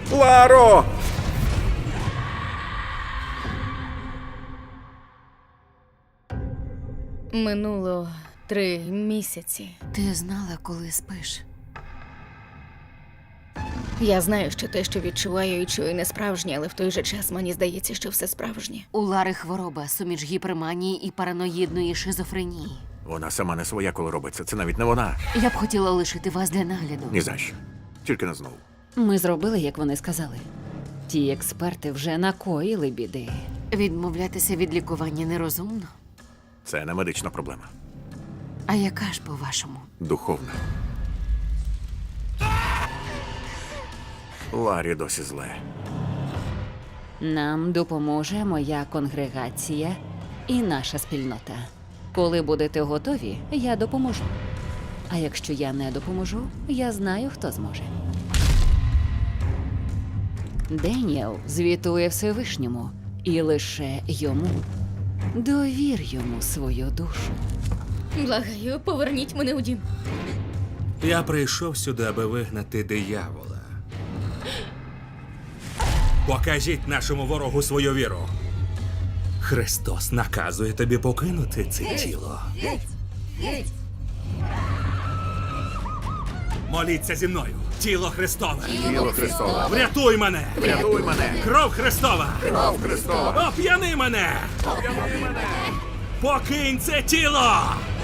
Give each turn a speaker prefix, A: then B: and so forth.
A: Ларо!
B: Минуло 3 місяці.
C: Ти знала, коли спиш?
B: Я знаю, що те, що відчуваю і чую, не справжнє, але в той же час мені здається, що все справжнє.
C: У Лари хвороба, суміш гіперманії і параноїдної шизофренії.
A: Вона сама не своя, коли робиться. Це навіть не вона.
C: Я б хотіла лишити вас для нагляду.
A: Ні за що. Тільки не знову.
D: Ми зробили, як вони сказали. Ті експерти вже накоїли біди.
C: Відмовлятися від лікування нерозумно.
A: Це не медична проблема.
C: А яка ж, по-вашому?
A: Духовна. Ларі досі зле.
D: Нам допоможе моя конгрегація і наша спільнота. Коли будете готові, я допоможу. А якщо я не допоможу, я знаю, хто зможе. Деніел звітує Всевишньому, і лише йому. Довір йому свою душу.
B: Благаю, поверніть мене у дім.
E: Я прийшов сюди, аби вигнати диявола. Покажіть нашому ворогу свою віру. Христос наказує тобі покинути це тіло. Моліться зі мною. Тіло Христове.
A: Тіло Христове.
E: Врятуй мене.
A: Врятуй мене.
E: Кров Христова.
A: Кров Христова.
E: Оп'яни мене.
A: Оп'яни мене.
E: Покинь це тіло.